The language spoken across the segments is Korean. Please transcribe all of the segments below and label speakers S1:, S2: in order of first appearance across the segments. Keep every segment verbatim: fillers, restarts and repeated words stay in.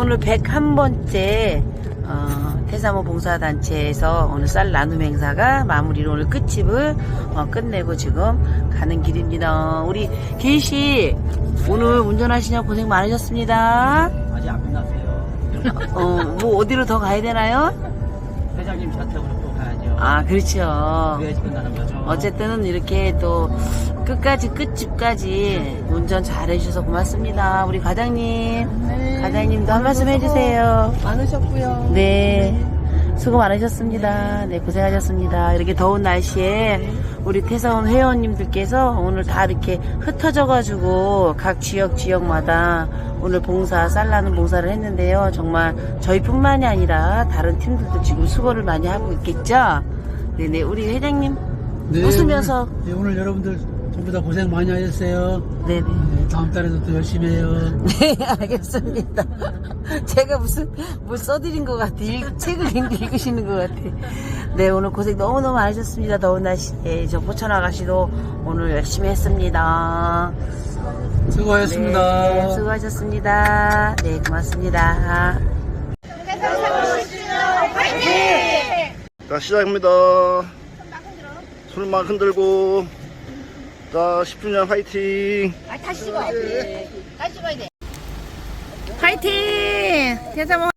S1: 오늘 백일 번째 어, 태사모 봉사단체에서 오늘 쌀 나눔 행사가 마무리로 오늘 끝집을 어, 끝내고 지금 가는 길입니다. 우리 계시 오늘 운전하시냐 고생 많으셨습니다.
S2: 아직 안 끝났어요.
S1: 어, 뭐 어디로 더 가야 되나요?
S2: 회장님 자택으로 또 가야죠.
S1: 아, 그렇죠.
S2: 그래야지 끝나는 거죠.
S1: 어쨌든 이렇게 또 끝까지 끝집까지 운전 잘 해주셔서 고맙습니다. 우리 과장님,
S3: 네.
S1: 과장님도 한 말씀 해주세요.
S3: 많으셨고요.
S1: 네, 수고 많으셨습니다. 네, 고생하셨습니다. 이렇게 더운 날씨에 우리 태사원 회원님들께서 오늘 다 이렇게 흩어져가지고 각 지역 지역마다 오늘 봉사, 쌀나는 봉사를 했는데요. 정말 저희뿐만이 아니라 다른 팀들도 지금 수고를 많이 하고 있겠죠? 네네, 우리 회장님
S3: 네,
S1: 웃으면서.
S3: 오늘, 네, 오늘 여러분들 전부 다 고생 많이 하셨어요.
S1: 네네.
S3: 네, 다음 달에도 또 열심히 해요.
S1: 네, 알겠습니다. 제가 무슨, 뭘 써드린 것 같아. 읽, 책을 읽으시는 것 같아. 네, 오늘 고생 너무너무 많으셨습니다. 더운 날씨에. 저 포천 아가씨도 오늘 열심히 했습니다.
S3: 수고하셨습니다.
S1: 네, 수고하셨습니다. 네, 고맙습니다.
S4: 자, 시작입니다. 손만 흔들고. 자, 십 주년 화이팅!
S1: 아, 다시 찍어야 돼. 다시 찍어야 돼. 화이팅! 태사모.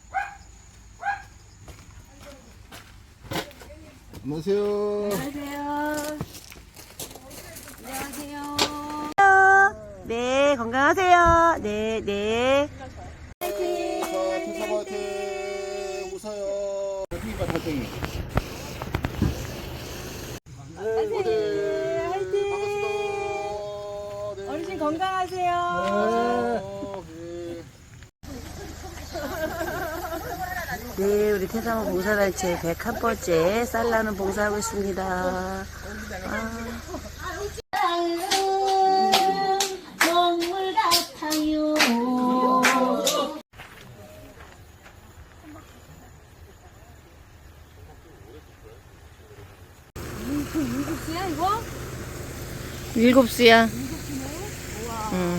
S4: 안녕하세요.
S1: 안녕하세요. 네, 건강하세요. 네, 네.
S4: 화이팅! 자, 화이팅! 웃어요. 피가 달팽이. 네, 네.
S1: 화이팅!
S4: 반갑습니다. 네.
S1: 어르신 건강하세요.
S4: 어, 네.
S1: 네, 우리 태사모 봉사단체 백일 번째 쌀나는 봉사하고 있습니다. 아.
S5: 동물 같아요.
S1: 일곱 수야. 응.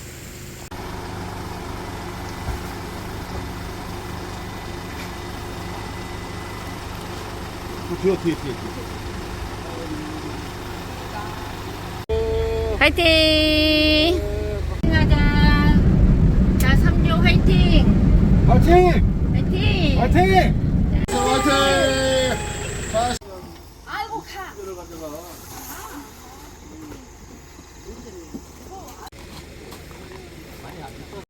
S4: 뒤에, 뒤에, 뒤에.
S1: 화이팅! 하자. 자, 삼조 화이팅!
S4: 화이팅!
S1: 화이팅!
S4: 화이팅! 화이팅!
S5: 아이고 가.